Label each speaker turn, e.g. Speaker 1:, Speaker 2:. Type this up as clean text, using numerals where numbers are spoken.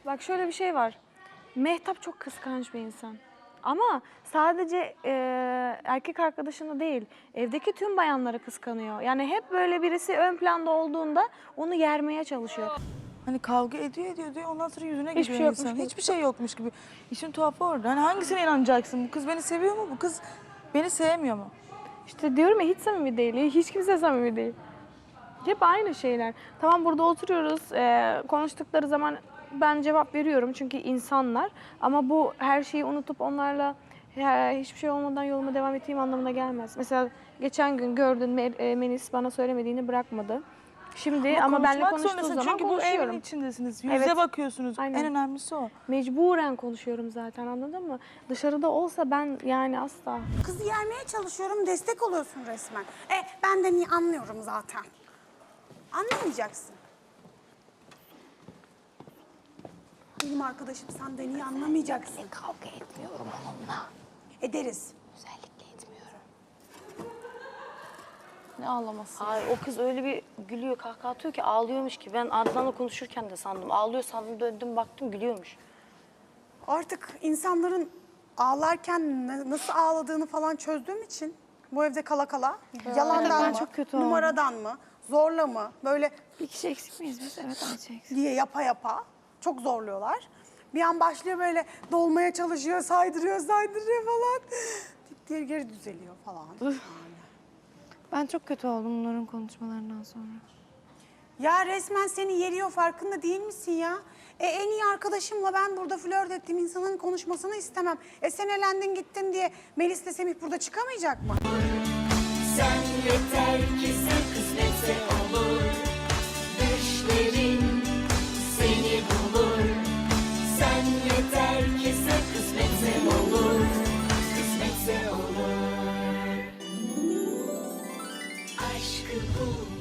Speaker 1: Bak şöyle bir şey var. Mehtap çok kıskanç bir insan. Ama sadece erkek arkadaşını değil, evdeki tüm bayanları kıskanıyor. Yani hep böyle birisi ön planda olduğunda onu yermeye çalışıyor.
Speaker 2: Hani kavga ediyor diyor ondan sonra yüzüne
Speaker 1: Hiçbir
Speaker 2: gidiyor
Speaker 1: şey yokmuş
Speaker 2: insan.
Speaker 1: gibi.
Speaker 2: Hiçbir şey yokmuş gibi. İşin tuhafı orada. Hani hangisine inanacaksın? Bu kız beni seviyor mu? Bu kız beni sevmiyor mu?
Speaker 1: İşte diyorum ya hiç samimi değil, hiç kimse samimi değil. Hep aynı şeyler. Tamam burada oturuyoruz, konuştukları zaman ben cevap veriyorum çünkü insanlar. Ama bu her şeyi unutup onlarla hiçbir şey olmadan yoluma devam ettiğim anlamına gelmez. Mesela geçen gün gördün Melis bana söylemediğini bırakmadı. Şimdi ama benimle
Speaker 2: konuşmak
Speaker 1: konuştuğu
Speaker 2: zorundasın.
Speaker 1: zaman
Speaker 2: Çünkü bu
Speaker 1: konuşuyorum.
Speaker 2: evin içindesiniz. Yüze
Speaker 1: Evet.
Speaker 2: bakıyorsunuz.
Speaker 1: Aynen.
Speaker 2: En önemlisi o.
Speaker 1: Mecburen konuşuyorum zaten, anladın mı? Dışarıda olsa ben yani asla.
Speaker 3: Kızı yermeye çalışıyorum, destek oluyorsun resmen. Ben de niye anlıyorum zaten. Anlamayacaksın. Benim arkadaşım sen de niye anlamayacaksın.
Speaker 4: Kavga etmiyorum onunla.
Speaker 3: Ederiz.
Speaker 4: Özellikle etmiyorum.
Speaker 2: Ne ağlaması?
Speaker 4: Ay o kız öyle bir gülüyor, kahkaha atıyor ki ağlıyormuş ki. Ben Adnan'la konuşurken de sandım. Ağlıyor sandım, döndüm baktım gülüyormuş.
Speaker 3: Artık insanların ağlarken nasıl ağladığını falan çözdüğüm için bu evde kala kala yalandan
Speaker 1: ben
Speaker 3: mı,
Speaker 1: çok kötü oldum.
Speaker 3: numaradan mı, zorla mı böyle
Speaker 1: Bir kişi eksik miyiz biz? Evet, Ayça eksik.
Speaker 3: diye yapa çok zorluyorlar. Bir an başlıyor böyle dolmaya çalışıyor, saydırıyor falan. Dip diye geri düzeliyor falan. Yani.
Speaker 5: Ben çok kötü oldum bunların konuşmalarından sonra.
Speaker 3: Ya resmen seni yeriyor, farkında değil misin ya? En iyi arkadaşımla ben burada flört ettiğim insanın konuşmasını istemem. Sen elendin gittin diye Melis'le Semih burada çıkamayacak mı?
Speaker 6: Sen yeter ki sen kısmetse olur. Düşlerin seni bulur. Sen yeter ki sen kısmetse olur. Kısmetse olur. Aşkı bul.